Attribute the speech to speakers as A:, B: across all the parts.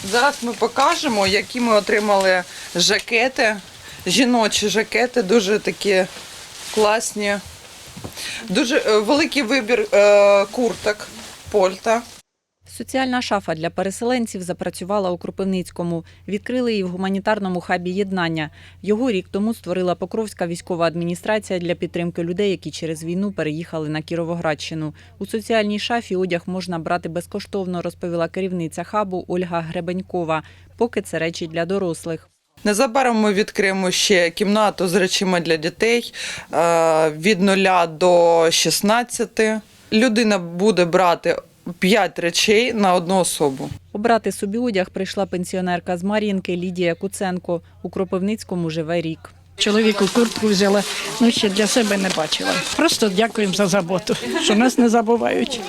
A: Зараз ми покажемо, які ми отримали жакети, жіночі жакети, дуже такі класні. Дуже великий вибір курток, пальта.
B: Соціальна шафа для переселенців запрацювала у Кропивницькому. Відкрили її в гуманітарному хабі «Єднання». Його рік тому створила Покровська військова адміністрація для підтримки людей, які через війну переїхали на Кіровоградщину. У соціальній шафі одяг можна брати безкоштовно, розповіла керівниця хабу Ольга Гребенькова. Поки це речі для дорослих.
A: Незабаром ми відкриємо ще кімнату з речима для дітей від 0 до 16. Людина буде брати 5 речей на одну особу.
B: Обрати собі одяг прийшла пенсіонерка з Мар'їнки Лідія Куценко. У Кропивницькому живе рік.
C: Чоловіку куртку взяла, ще для себе не бачила. Просто дякуємо за заботу, що нас не забувають.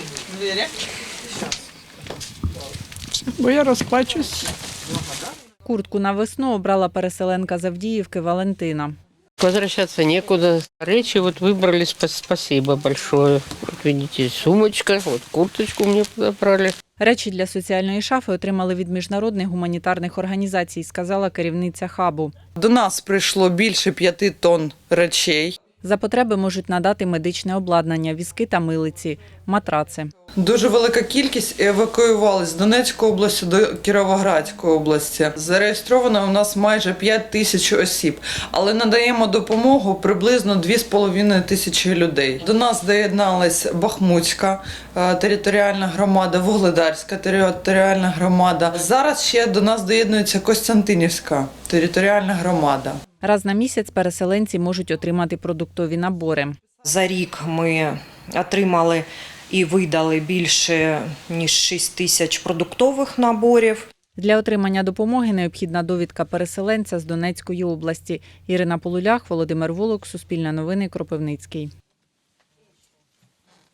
C: Бо я розплачусь.
B: Куртку на весну обрала переселенка з Авдіївки Валентина.
D: Возвращаться некуда. Речи вот выбрали, спасибо большое. Вот видите, сумочка, вот курточку мне подобрали.
B: Речі для соціальної шафи отримали від міжнародних гуманітарних організацій, сказала керівниця хабу.
A: До нас прийшло більше 5 тонн речей.
B: За потреби можуть надати медичне обладнання, візки та милиці, матраци.
A: Дуже велика кількість евакуювалась з Донецької області до Кіровоградської області. Зареєстровано у нас майже 5 тисяч осіб, але надаємо допомогу приблизно 2,5 тисячі людей. До нас доєдналась Бахмутська територіальна громада, Вугледарська територіальна громада. Зараз ще до нас доєднується Костянтинівська територіальна громада.
B: Раз на місяць переселенці можуть отримати продуктові набори.
E: За рік ми отримали і видали більше ніж 6 тисяч продуктових наборів.
B: Для отримання допомоги необхідна довідка переселенця з Донецької області. Ірина Полулях, Володимир Волок, Суспільне новини, Кропивницький.